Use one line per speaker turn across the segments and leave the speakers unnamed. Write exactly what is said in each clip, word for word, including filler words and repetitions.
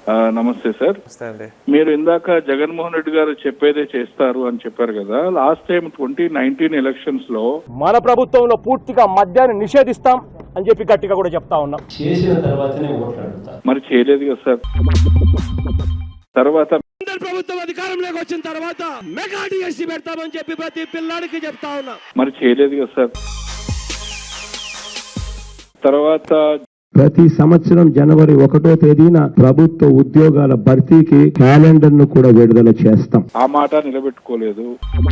నమస్తే సార్. మీరు ఇందాక జగన్మోహన్ రెడ్డి గారు చెప్పేదే చేస్తారు అని చెప్పారు కదా. Last time twenty nineteen elections లో
మన ప్రభుత్వంలో పూర్తిగా మద్యాన్ని నిషేధిస్తాం అని చెప్పి గట్టిగా కూడా చెప్తా ఉన్నాం.
చేసిన తర్వాతనే ఓట్లు అడుగుతాం.
మరి చేయలేదు కదా సార్. తర్వాత
ప్రభుత్వం అధికారంలోకి వచ్చిన తర్వాత మెగా డిఎస్సీ పెడతామని చెప్పి ప్రతి పిల్లాడికి చెప్తా ఉన్నా.
మరి చేయలేదు కదా సార్. తర్వాత
ప్రతి సంవత్సరం జనవరి ఒకటో తేదీన ప్రభుత్వ ఉద్యోగాల భర్తీకి క్యాలెండర్ ను కూడా విడుదల చేస్తాం.
ఆ మాట నిలబెట్టుకోలేదు.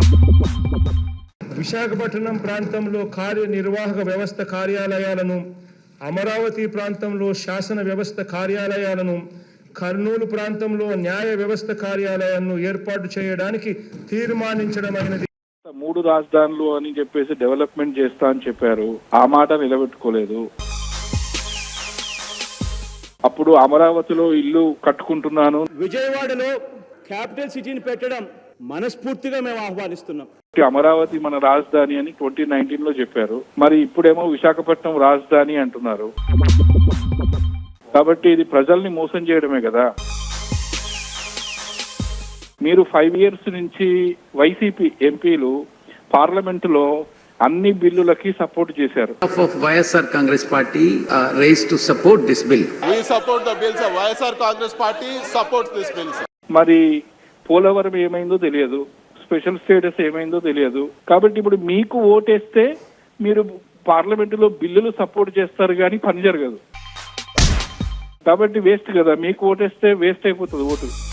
విశాఖపట్నం ప్రాంతంలో కార్యనిర్వాహక వ్యవస్థ కార్యాలయాలను, అమరావతి ప్రాంతంలో శాసన వ్యవస్థ కార్యాలయాలను, కర్నూలు ప్రాంతంలో న్యాయ వ్యవస్థ కార్యాలయాలను ఏర్పాటు చేయడానికి తీర్మానించడమైనది.
మూడు రాజధానులు అని చెప్పేసి డెవలప్మెంట్ చేస్తా అని చెప్పారు. ఆ మాట నిలబెట్టుకోలేదు. అప్పుడు అమరావతిలో ఇల్లు కట్టుకుంటున్నాను,
విజయవాడలో క్యాపిటల్ సిటీని పెట్టడం మనస్ఫూర్తిగా మేము ఆహ్వానిస్తున్నాం.
అమరావతి మన రాజధాని అని ట్వంటీ నైన్టీన్ లో చెప్పారు. మరి ఇప్పుడేమో విశాఖపట్నం రాజధాని అంటున్నారు. కాబట్టి ఇది ప్రజల్ని మోసం చేయడమే కదా. మీరు ఫైవ్ ఇయర్స్ నుంచి వైసీపీ ఎంపీలు పార్లమెంటులో అన్ని బిల్లులకి సపోర్ట్ చేశారు.
YSR Congress party rise to support this bill.
We support the bill sir. YSR Congress party supports this bill sir.
మరి పోలవరం ఏమైందో తెలియదు, స్పెషల్ స్టేటస్ ఏమైందో తెలియదు. కాబట్టి ఇప్పుడు మీకు ఓటేస్తే మీరు పార్లమెంటులో బిల్లులు సపోర్ట్ చేస్తారు కానీ పని జరగదు. కాబట్టి వేస్ట్ కదా. మీకు ఓటేస్తే వేస్ట్ అయిపోతుంది ఓటు.